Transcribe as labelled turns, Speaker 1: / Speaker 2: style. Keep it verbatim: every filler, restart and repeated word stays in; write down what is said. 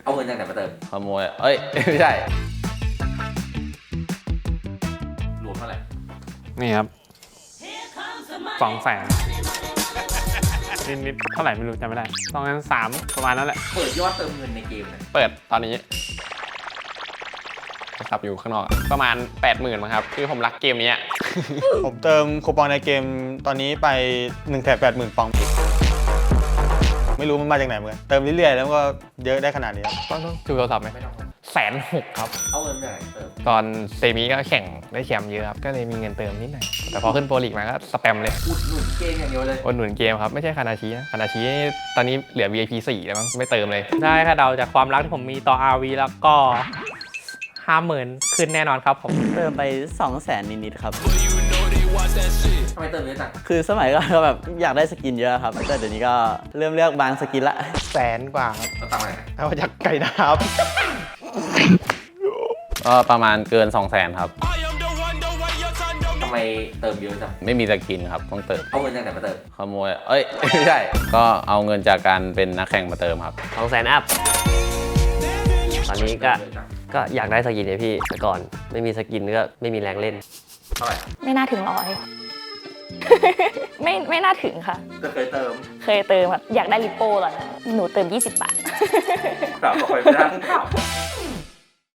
Speaker 1: เอาเงินจากไหนมาเติม
Speaker 2: ขโมยเอ้ยไม่ใช่
Speaker 1: รวมเท่าไหร่
Speaker 3: นี่ครับสองแสนนิดๆเท่าไหร่ไม่รู้จำไม่ได้สองแสนสามประมาณนั้นแหละ
Speaker 1: เปิดยอดเติมเงินในเกมนะ
Speaker 3: เปิดตอนนี้ขับอยู่ข้างนอกประมาณ แปดหมื่น มั้งครับคือผมรักเกมนี้
Speaker 4: ผมเติมคูปองในเกมตอนนี้ไปหนึ่งแถบแปดหมื่นปองไม่รู้มันมาจากไหนเหมือนกันเติมเรื่อยๆแล้วก็เยอะได้ขนาดนี้
Speaker 3: ต้องต้องดูโทรศัพท์ไหมแสนหกครับ
Speaker 1: เอาเงินจากไหนเติม
Speaker 3: ตอนเซมิก็แข่งได้แชมป์เยอะครับก็เลยมีเงินเติมนิดหน่อยแต่พอขึ้นโปรลีกมาก็สแปมเลย
Speaker 1: อุดหนุนเกมอย่างเดียวเลย
Speaker 3: อุดหนุนเกมครับไม่ใช่คานาชินะคานาชิตอนนี้เหลือ วี ไอ พี สี่แล้วมั้งไม่เติมเลยได้ค่ะเดาจากความรักที่ผมมีต่อ อาร์ วี แล้วก็ห้าหมื่นขึ้นแน่นอนครับผม
Speaker 5: เติมไปสองแสนนิดๆครับ
Speaker 1: ทำไมเติมเยอะจัง
Speaker 5: คือสมัยก่อนก็แบบอยากได้สกินเยอะครับแต่เดี๋ยวนี้ก็เริ่มเลือกบางสกินละ
Speaker 4: แสนกว่าครับ
Speaker 1: แล้วตังค์ไหน
Speaker 4: เอาจากไก่ดาบ
Speaker 2: ก็ประมาณเกิน สองแสน ครับ
Speaker 1: ทำไมเติมเยอะจัง
Speaker 2: ไม่มีสกินครับต้องเติม
Speaker 1: เอาเงินจากไหนมาเติม
Speaker 2: ขโมยเอ้ยไม่ใช่ก็เอาเงินจากการเป็นนักแข่งมาเติมครับ
Speaker 6: สองแสนอัพตอนนี้ก็ก็อยากได้สกินเลยพี่แต่ก่อนไม่มีสกินก็ไม่มีแรงเล่น
Speaker 1: เท่าไหร่
Speaker 7: ไม่น่าถึงร้อย ไม่ไม่น่าถึงค่ะ
Speaker 1: ก็เคยเติม
Speaker 7: เคยเติมแบบอยากได้ลิปโป้ตอนนั้นหนูเติมยี่สิบบาท
Speaker 1: กลับไปไม่ได้